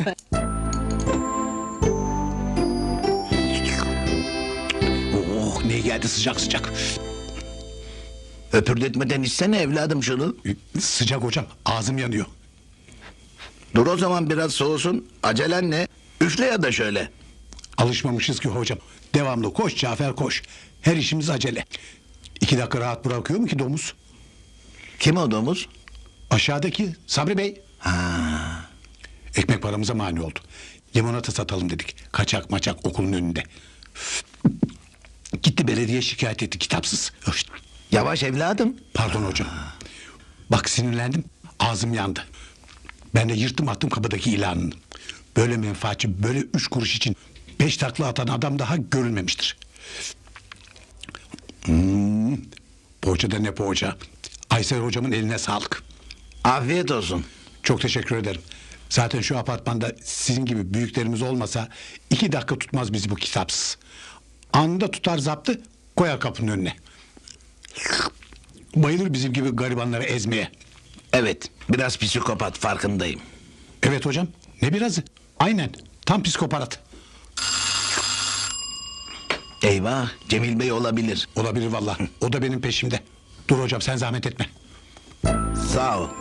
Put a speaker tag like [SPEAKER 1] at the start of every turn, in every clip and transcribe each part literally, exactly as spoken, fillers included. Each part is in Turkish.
[SPEAKER 1] Oh, ne geldi sıcak sıcak.
[SPEAKER 2] Öpürdetmeden içsene evladım şunu.
[SPEAKER 1] Sıcak hocam, ağzım yanıyor.
[SPEAKER 2] Dur o zaman biraz soğusun. Acelen ne? Üfle ya da şöyle.
[SPEAKER 1] Alışmamışız ki hocam. Devamlı koş Cafer koş. Her işimiz acele. İki dakika rahat bırakıyor mu ki domuz?
[SPEAKER 2] Kim o domuz?
[SPEAKER 1] Aşağıdaki Sabri Bey.
[SPEAKER 2] Ha.
[SPEAKER 1] Ekmek paramıza mani oldu. Limonata satalım dedik. Kaçak maçak okulun önünde. Gitti belediye şikayet etti kitapsız. Öf.
[SPEAKER 2] Yavaş evladım.
[SPEAKER 1] Pardon hocam. Bak sinirlendim. Ağzım yandı. Ben de yırttım attım kapıdaki ilanını. Böyle menfaatçi, böyle üç kuruş için beş takla atan adam daha görülmemiştir. Hmm. Poğaça da ne poğaça. Aysel hocamın eline sağlık.
[SPEAKER 2] Afiyet olsun.
[SPEAKER 1] Çok teşekkür ederim. Zaten şu apartmanda sizin gibi büyüklerimiz olmasa iki dakika tutmaz bizi bu kitapsız. Anında tutar zaptı koyar kapının önüne. Bayılır bizim gibi garibanları ezmeye.
[SPEAKER 2] Evet, biraz psikopat farkındayım.
[SPEAKER 1] Evet hocam, ne birazı? Aynen, tam psikopat.
[SPEAKER 2] Eyvah, Cemil Bey olabilir.
[SPEAKER 1] Olabilir vallahi. O da benim peşimde. Dur hocam sen zahmet etme.
[SPEAKER 2] Sağ ol.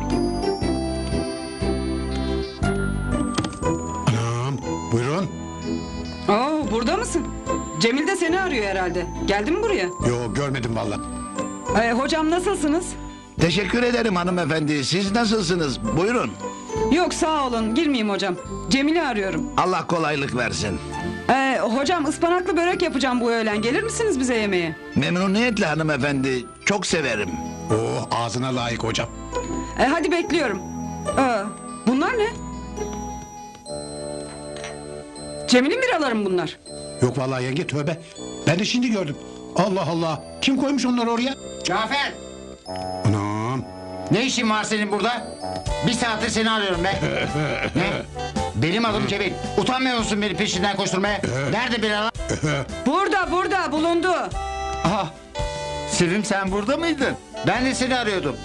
[SPEAKER 1] Anam, buyurun.
[SPEAKER 3] Oo, burada mısın? Cemil de seni arıyor herhalde. Geldin mi buraya?
[SPEAKER 1] Yo görmedim vallahi.
[SPEAKER 3] Ee, hocam nasılsınız?
[SPEAKER 2] Teşekkür ederim hanımefendi. Siz nasılsınız? Buyurun.
[SPEAKER 3] Yok sağ olun girmeyeyim hocam. Cemil'i arıyorum.
[SPEAKER 2] Allah kolaylık versin.
[SPEAKER 3] Ee, hocam ıspanaklı börek yapacağım bu öğlen. Gelir misiniz bize yemeğe?
[SPEAKER 2] Memnuniyetle hanımefendi. Çok severim.
[SPEAKER 1] Oh ağzına layık hocam.
[SPEAKER 3] Ee, hadi bekliyorum. Ee, bunlar ne? Cemil'in biraları mı bunlar?
[SPEAKER 1] Yok vallahi yenge tövbe. Ben de şimdi gördüm. Allah Allah. Kim koymuş onları oraya?
[SPEAKER 4] Cafer!
[SPEAKER 1] Anam.
[SPEAKER 4] Ne işin var senin burada? Bir saattir seni arıyorum be. Ne? Benim adım Cemil. Utanmıyor musun beni peşinden koşturmaya? Nerede biralar?
[SPEAKER 3] Burada burada bulundu.
[SPEAKER 4] Aha! Sevim sen burada mıydın? Ben de seni arıyordum.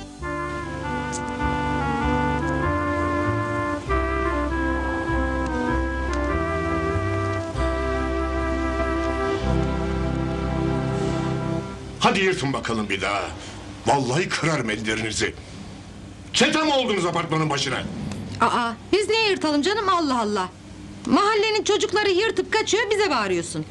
[SPEAKER 5] Hadi yırtın bakalım bir daha. Vallahi kırarım ellerinizi. Çete mi oldunuz apartmanın başına?
[SPEAKER 6] Aa, biz niye yırtalım canım Allah Allah. Mahallenin çocukları yırtıp kaçıyor bize bağırıyorsun.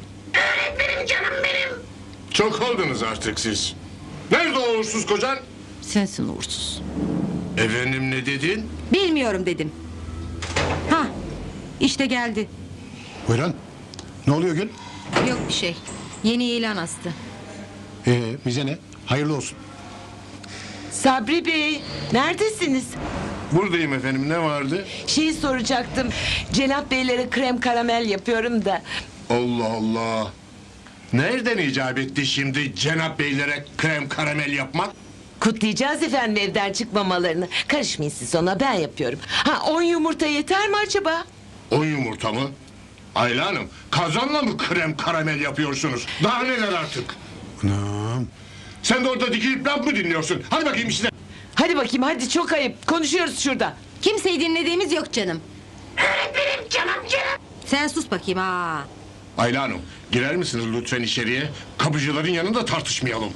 [SPEAKER 5] Çok oldunuz artık siz. Nerede o uğursuz kocan?
[SPEAKER 6] Sensin uğursuz.
[SPEAKER 5] Efendim ne dedin?
[SPEAKER 6] Bilmiyorum dedim. Ha, işte geldi.
[SPEAKER 1] Buyurun. Ne oluyor Gül?
[SPEAKER 6] Yok bir şey. Yeni ilan astı.
[SPEAKER 1] Ee, bize ne? Hayırlı olsun.
[SPEAKER 7] Sabri Bey, neredesiniz?
[SPEAKER 5] Buradayım efendim, ne vardı?
[SPEAKER 7] Şeyi soracaktım. Cenap Beylere krem karamel yapıyorum da.
[SPEAKER 5] Allah Allah. Nereden icap etti şimdi Cenap Beylere krem karamel yapmak?
[SPEAKER 7] Kutlayacağız efendim evden çıkmamalarını. Karışmayın siz ona, ben yapıyorum. Ha, on yumurta yeter mi acaba?
[SPEAKER 5] On yumurta mı? Ayla Hanım, kazanla mı krem karamel yapıyorsunuz? Daha neler artık?
[SPEAKER 1] Anam.
[SPEAKER 5] Sen de orada dikilip laf mı dinliyorsun? Hadi bakayım işte.
[SPEAKER 7] Hadi bakayım, hadi çok ayıp. Konuşuyoruz şurada.
[SPEAKER 6] Kimseyi dinlediğimiz yok canım. Öğretmenim canım canım. Sen sus bakayım ha.
[SPEAKER 5] Ayla Hanım, girer misiniz lütfen içeriye? Kapıcıların yanında tartışmayalım.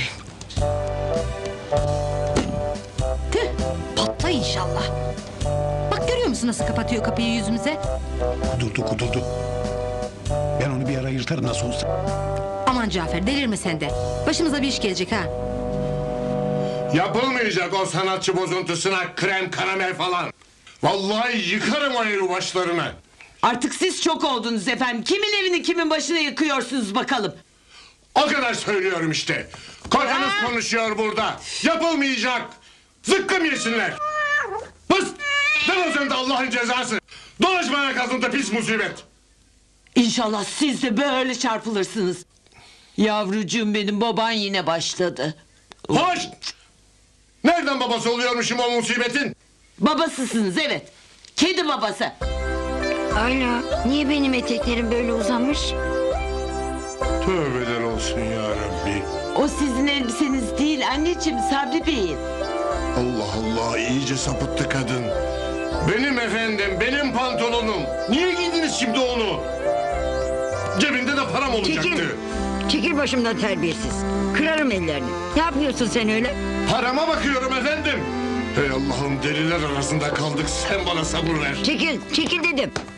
[SPEAKER 6] Tüh, patla inşallah. Bak görüyor musun nasıl kapatıyor kapıyı yüzümüze?
[SPEAKER 1] Kudurdu kudurdu. Ben onu bir ara yırtarım nasıl olsa.
[SPEAKER 6] Aman Cafer delirme sen de. Başımıza bir iş gelecek ha.
[SPEAKER 5] Yapılmayacak o sanatçı bozuntusuna krem karamel falan. Vallahi yıkarım o evi başlarına.
[SPEAKER 7] Artık siz çok oldunuz efendim. Kimin evini kimin başına yıkıyorsunuz bakalım.
[SPEAKER 5] O kadar söylüyorum işte. Kocanız konuşuyor burada. Yapılmayacak. Zıkkım yesinler. Pıs! Ne sen de Allah'ın cezası. Dolaşma ayak altında pis musibet.
[SPEAKER 7] İnşallah siz de böyle çarpılırsınız. Yavrucuğum benim, baban yine başladı.
[SPEAKER 5] Hoş! Nereden babası oluyormuşum o musibetin?
[SPEAKER 7] Babasısınız evet. Kedi babası.
[SPEAKER 8] Ayla, niye benim eteklerim böyle uzamış?
[SPEAKER 5] Tövbeler olsun ya Rabbi.
[SPEAKER 7] O sizin elbiseniz değil anneciğim, Sabri Bey'in.
[SPEAKER 5] Allah Allah, iyice sapıttı kadın. Benim efendim, benim pantolonum. Niye giydiniz şimdi onu? Cebinde de param olacaktı.
[SPEAKER 8] Çekil. Çekil başımdan terbiyesiz. Kırarım ellerini. Ne yapıyorsun sen öyle?
[SPEAKER 5] Parama bakıyorum efendim. Hey Allah'ım, deliler arasında kaldık, sen bana sabır ver.
[SPEAKER 8] Çekil. Çekil dedim.